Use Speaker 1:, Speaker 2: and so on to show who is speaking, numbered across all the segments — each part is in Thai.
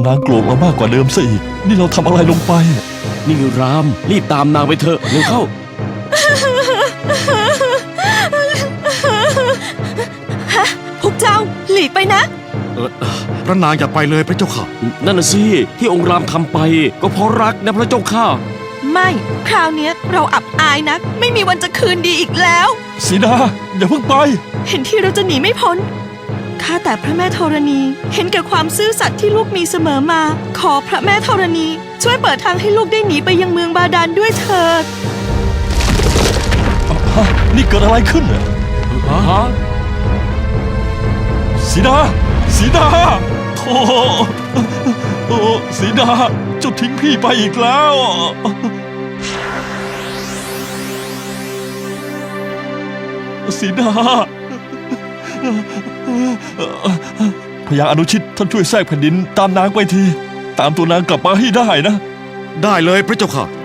Speaker 1: นางโกรธเรามากกว่าเดิมซะอีกนี่เราทำอะไรลงไป
Speaker 2: นี่รามรีบตามนางไปเถอะเร็วเข้า
Speaker 3: ฮะพวกเจ้าหลีกไปนะ
Speaker 4: พระนางอย่าไปเลยพระเจ้าค่ะ
Speaker 2: นั่นน่ะสิที่องค์รามทำไปก็เพราะรักนะพระเจ้าข้า
Speaker 3: ไม่คราวนี้เราอับอายนักไม่มีวันจะคืนดีอีกแล้ว
Speaker 1: สีดาอย่าเพิ่งไป
Speaker 3: เห็นที่เราจะหนีไม่พ้นข้าแต่พระแม่ธรณีเห็นแก่ความซื่อสัตย์ที่ลูกมีเสมอมาขอพระแม่ธรณีช่วยเปิดทางให้ลูกได้หนีไปยังเมืองบาดาลด้วยเถิด
Speaker 1: นี่เกิดอะไรขึ้นฮะสีดาสีดาโธ่โอ้สีดาเจ้าทิ้งพี่ไปอีกแล้วสีดาพญาอนุชิตท่านช่วยแทรกแผ่นดินตามนางไปทีตามตัวนางกลับมาให้ได้นะ
Speaker 4: ได้เลยพระเจ้าค่ะ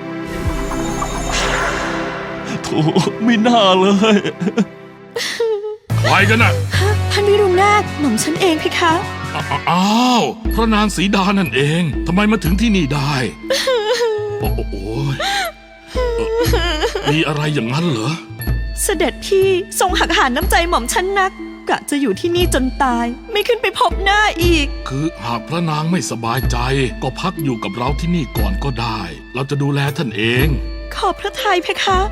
Speaker 1: โธ่ไม่น่าเลย
Speaker 5: ใครกันน่ะ
Speaker 3: ท่านวิรุณนาถหม่อมฉันเองพี่คะ
Speaker 5: อ้าวพระนางสีดานั่นเองทำไมมาถึงที่นี่ได้โอ้โหมีอะไรอย่างนั้นเหรอ
Speaker 3: เสด็จพี่ทรงหักหานน้ำใจหม่อมฉันนักกะจะอยู่ที่นี่จนตายไม่ขึ้นไปพบหน้าอีก
Speaker 5: คือหากพระนางไม่สบายใจก็พักอยู่กับเราที่นี่ก่อนก็ได้เราจะดูแลท่านเอง
Speaker 3: ขอบพระทัยเพคะ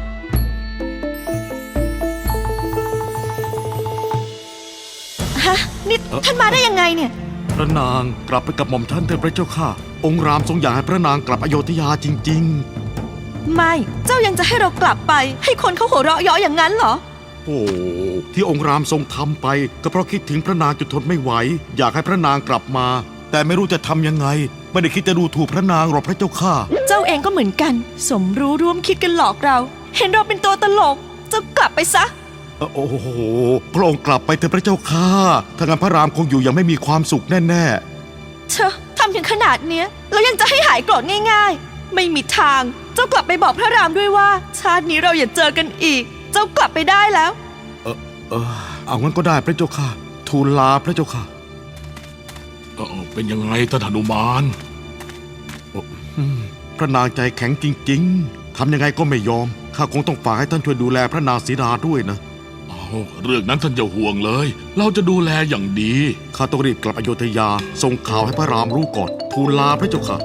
Speaker 3: ฮะนี่ท่านมาได้ยังไงเนี่ย
Speaker 4: พระนางกลับไปกับหม่อมท่านเถิดพระเจ้าค่ะองค์รามทรงอยากให้พระนางกลับอโยธยาจริง
Speaker 3: ๆไม่เจ้ายังจะให้เรากลับไปให้คนเขาหัวเราะเยาะอย่างนั้นเหรอ
Speaker 4: โอ้ที่องค์รามทรงทำไปก็เพราะคิดถึงพระนางจนทนไม่ไหวอยากให้พระนางกลับมาแต่ไม่รู้จะทำยังไงไม่ได้คิดจะดูถูกพระนางหรอกพระเจ้าค่ะ
Speaker 3: เจ้าเองก็เหมือนกันสมรู้ร่วมคิดกันหลอกเราเห็นเราเป็นตัวตลกเจ้ากลับไปซะ
Speaker 4: โอ้โหพระองค์กลับไปเถอะพระเจ้าค่ะถ้างั้นพระรามคงอยู่ยังไม่มีความสุขแน่
Speaker 3: ๆเชอะทำถึงขนาดเนี้ยแล้วยังจะให้หายโกรธง่ายๆไม่มีทางเจ้ากลับไปบอกพระรามด้วยว่าชาตินี้เราอย่าเจอกันอีกเจ้ากลับไปได้แล้ว
Speaker 4: เอางั้นก็ได้พระเจ้าค่ะทูลลาพระเจ้าค่ะ
Speaker 5: เป็นยังไงท่านหนุมาน
Speaker 4: พระนางใจแข็งจริงๆทำยังไงก็ไม่ยอมข้าคงต้องฝากให้ท่านช่วยดูแลพระนางสีดาด้วยนะ
Speaker 5: เรื่องนั้นท่านอย่าห่วงเลยเราจะดูแลอย่างดี
Speaker 4: ข้าต้องรีบกลับอโยธยาส่งข่าวให้พระรามรู้ก่อนทูลลาพระเจ้าค่ะ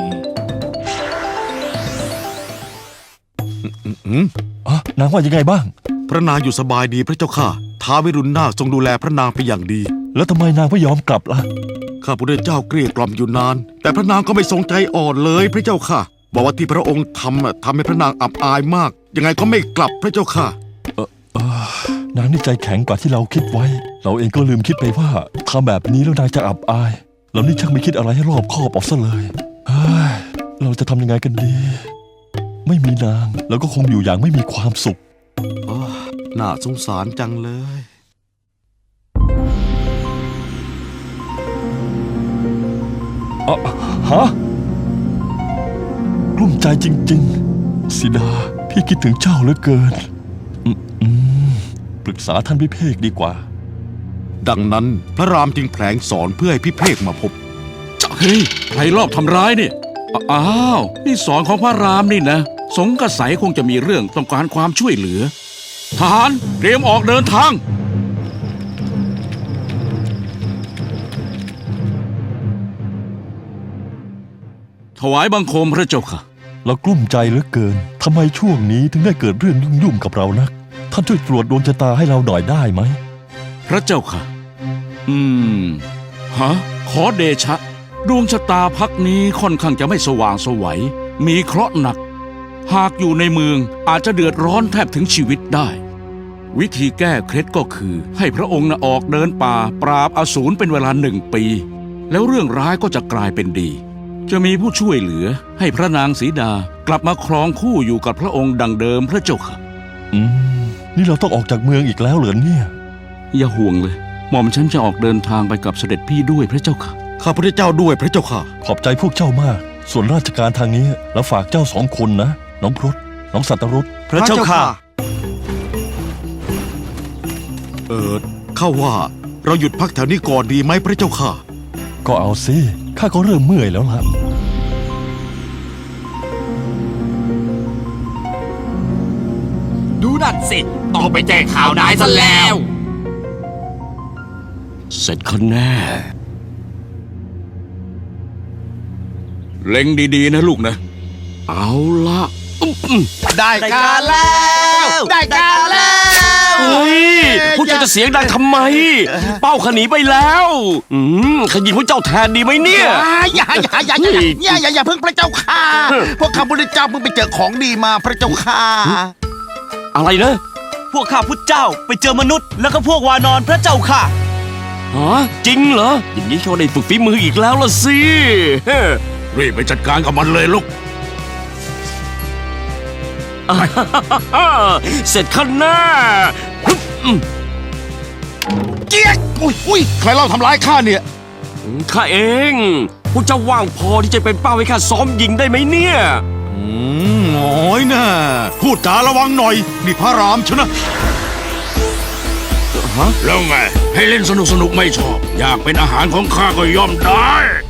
Speaker 1: นางว่ายังไงบ้าง
Speaker 4: พระนางอยู่สบายดีพระเจ้าค่ะท้าววิรุณนาถทรงดูแลพระนางเป็นอย่างดี
Speaker 1: แล้วทำไมนางไม่ยอมกลับล่ะ
Speaker 4: ข้าพระเจ้าเกลี้ยกล่อมอยู่นานแต่พระนางก็ไม่ทรงใจอ่อนเลยพระเจ้าค่ะบอกว่าที่พระองค์ทำให้พระนางอับอายมากยังไงก็ไม่กลับพระเจ้าค่ะ
Speaker 1: นางนี่ใจแข็งกว่าที่เราคิดไว้เราเองก็ลืมคิดไปว่าทำแบบนี้แล้วนางจะอับอายเรานี่ช่างไม่คิดอะไรให้รอบคอบออกซะเลยเราจะทำยังไงกันดีไม่มีนางแล้วก็คงอยู่อย่างไม่มีความสุข
Speaker 4: น่าสงสารจังเลย
Speaker 1: ฮะกลุ้มใจจริงๆสีดาพี่คิดถึงเจ้าเหลือเกินปรึกษาท่านพิเภกดีกว่า
Speaker 4: ดังนั้นพระรามจึงแผลงสอนเพื่อให้พิเภกมาพบ
Speaker 2: เฮ้ยใครลอบทำร้ายเนี่ยอ้าวนี่สอนของพระรามนี่นะสงกระใสคงจะมีเรื่องต้องการความช่วยเหลือทหารเตรียมออกเดินทางถวายบังคมพระเจ้าค่ะ
Speaker 1: เรากลุ้มใจเหลือเกินทำไมช่วงนี้ถึงได้เกิดเรื่องยุ่งๆกับเรานักท่านช่วยตรวจดวงชะตาให้เราหน่อยได้ไหม
Speaker 2: พระเจ้าค่ะขอเดชะดวงชะตาพักนี้ค่อนข้างจะไม่สว่างไสวมีเคราะห์หนักหากอยู่ในเมืองอาจจะเดือดร้อนแทบถึงชีวิตได้วิธีแก้เคล็ดก็คือให้พระองค์ออกเดินป่าปราบอสูรเป็นเวลา1 ปีแล้วเรื่องร้ายก็จะกลายเป็นดีจะมีผู้ช่วยเหลือให้พระนางสีดากลับมาครองคู่อยู่กับพระองค์ดังเดิมพระเจ้าค่ะ
Speaker 1: นี่เราต้องออกจากเมืองอีกแล้วเหรอเนี่ย
Speaker 2: อย่าห่วงเลยหม่อมฉันจะออกเดินทางไปกับเสด็จพี่ด้วยพระเจ้าค่ะ
Speaker 4: ข้าพระเจ้าด้วยพระเจ้าค่ะ
Speaker 1: ขอบใจพวกเจ้ามากส่วนราชการทางนี้เราฝากเจ้า2 คนนะน้องพรตน้องสัตรุษ
Speaker 4: พระเจ้าค่ะข้าว่าเราหยุดพักแถวนี้ก่อนดีไหมพระเจ้าค่ะ
Speaker 1: ก็เอาสิข้าก็เริ่มเมื่อยแล้วล่ะ
Speaker 6: ดูนั่นสิ ต้องไปแจ้งข่าวนายซะแล้ว
Speaker 2: เสร็จคนแน่ เล็งดีๆนะลูกนะ เอาละ
Speaker 6: ได้การแล้ว ได้การแล้ว
Speaker 7: เฮ้ยพวกเจ้าจะเสียงดังทำไม เป้าขนีไปแล้วขยิงพวกเจ้าแทนดีไหมเนี่ย
Speaker 6: อย่าเพิ่งพระเจ้าค่ะ พวกข้าพุทธเจ้าเพิ่งไปเจอของดีมาพระเจ้าค่ะ
Speaker 7: อะไรนะ
Speaker 8: พวกข้าพุทธเจ้าไปเจอมนุษย์แล้วก็พวกวานอนพระเจ้าค่ะ
Speaker 7: ฮะจริงเหรอ อย่างนี้เขาได้ฝึกฝีมืออีกแล้วล่ะสิ
Speaker 5: รีบไปจัดการกับมันเลยลูก
Speaker 7: เสร็จขั้นหน้า
Speaker 6: เจี๊ยกอุ้ยใครเล่าทำร้ายข้าเนี่ย
Speaker 7: ข้าเอง พวกเจ้าว่างพอที่จะเป็นเป้าให้ข้าซ้อมยิงได้ไหมเนี่ย
Speaker 4: โอ้ยนะพูดจาระวังหน่อย นี่พระรามชนะ
Speaker 5: แล้วไง ให้เล่นสนุกๆไม่ชอบ อยากเป็นอาหารของข้าก็ย่อมได้